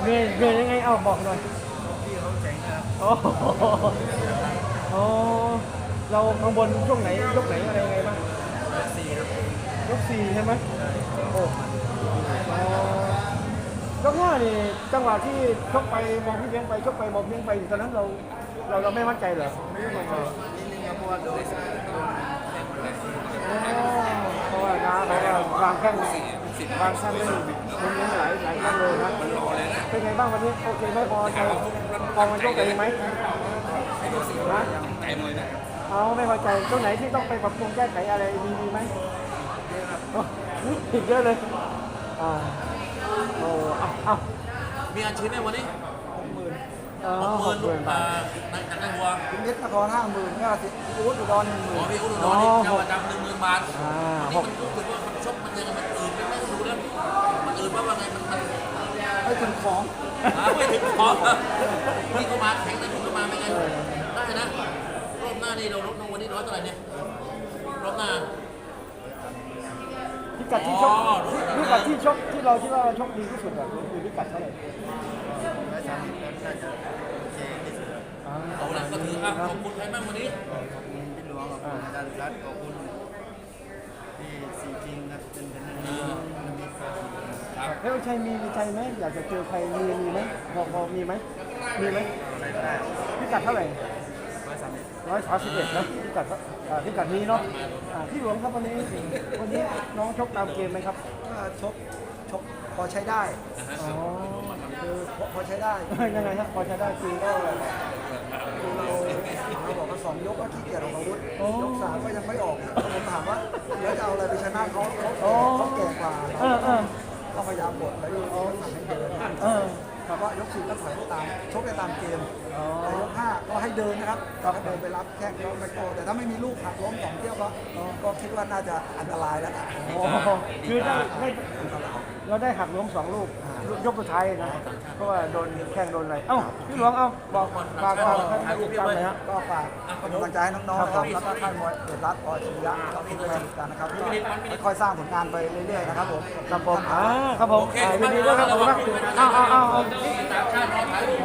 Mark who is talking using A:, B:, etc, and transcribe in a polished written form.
A: เหนื่อยยังไงเอาบอกหน่อย
B: พี่เขาเจ๋งนะครับ
A: โอ้โหโอ้เราข้างบนช่วงไหนยกไหนอะไรยังไงบ้าง
B: 4ครับ
A: ยกสี่ใช่ไหมโอ้ยกห้านี่จังหวะที่ชกไปมองพี่เลี้ยงไปชกไปมองพี่เลี้ยงไปตอนนั้นเราไม่มั่นใจเหรอไม่มั่นใจ
B: นิดนึงครับเพราะว่าโดนแข่งแรง
A: เพราะว่าน้าเขาก็วางแข้งวางแข้งได้มันมีหลายแข้งเลยนะเป็นไงบ้างวันนี้โอเคไหมพอใจพอมันโชคดีไหมนะ
B: ไก่เลยนะ
A: เอาไม่พอใจตรงไหนที่ต้องไปปรับปรุงแก้ไขอะไรมีไหมอีกเยอะเลยโอ้เอา
C: มีอาชีพไหมวันนี้
A: 60,000
C: 60,000
A: บาท
C: นักวัว
B: พิมพ์เพชรนคร50,000ก็อู๊ดอุดร
C: ขอ
B: 10,000
C: พี่อุดรนี่เจ้าประจำ10,000 บาท
A: ห
C: นี่
A: ก
C: มันรู้สึกว่ามันชกมันยังไงมันอื่นไม่รู้แล้วมันอื่นว่าไงมัน
B: ให้ถึงของ
C: ไม่ถึงพอนี่ก็มาแข่งนะคุณก็มาไม่ไงได้นะรอบหน้านี่เราลดลงวันนี้ร้อยเท่าไหร่เนี่ยรอบหน้า
A: พิกัดที่ชกพิกัดที่ชกที่เราคิดว่าชกดีที่สุดอะคือพิกัดเท่าไหร่
B: 130น่าจะโอเคที่สุดครับ
C: เอาละก็ถืออ่ะขอบคุณใครบ้างวันนี้
B: ขอบคุณพี่หลวงขอบคุณอาจารย์รัตน์ขอบคุณพี่สีจริงครับเป็นมีครับ
A: แล้วชัยมีในใจไหมอยากจะเจอใครมีไหมพอมีไหมมีไหม
B: ใครก็ได้
A: พิกัดเท่าไหร่
B: 131
A: 131นะพิกัดนี้เนาะพี่หลวงครับวันนี้น้องชกตามเกมไหมครับ
B: ก็ชกพอใช้ได้
A: อ๋อ
B: คือพอใช้ได้
A: ยังไงครับพอใช้ได้คือก็
B: คือเราบอกว่า2 ยกก็ขี้เกียจออกอาวุธ
A: โอ้
B: ยก 3ก็ยังไม่ออกผมถามว่าแล้วจะเอาอะไรไปชนะเขาเขา
A: โอ้
B: แก่กว่า
A: เออ
B: ก็พยายามบดแล้วเขาสั่งให้เดิน แต่ว่ายก 4ก็ถอยไปตามชกไปตามเกมแต่ยก 5ก็ให้เดินนะครับก็เดินไปรับแข้งแล้วไปโตแต่ถ้าไม่มีลูกหักล้ม2 เที่ยวก็คิดว่าน่าจะอันตรายแล้ว
A: โอ้คือเราได้หักล้ม2 ลูกยกสุดท้ายนะเพราะว่าโดนแข้งโดนอะไรเอ้าพี่หลวงเอาบอกฝากให้ติดตามหน่อยฮะ
B: ก็ฝากเป็นกำลังใจให้น้องๆนะครับแล้วก็ค่ายมวยเดชรัตน์ปอชิริยะแล้วก็ทุกคนกันนะครับค่อยๆสร้างผลงานไปเรื่อยๆนะครับผม
A: ครับผมครับผมยินดีด้วยครับผมมากเอา
C: ต่างชาติรอถ่ายรูป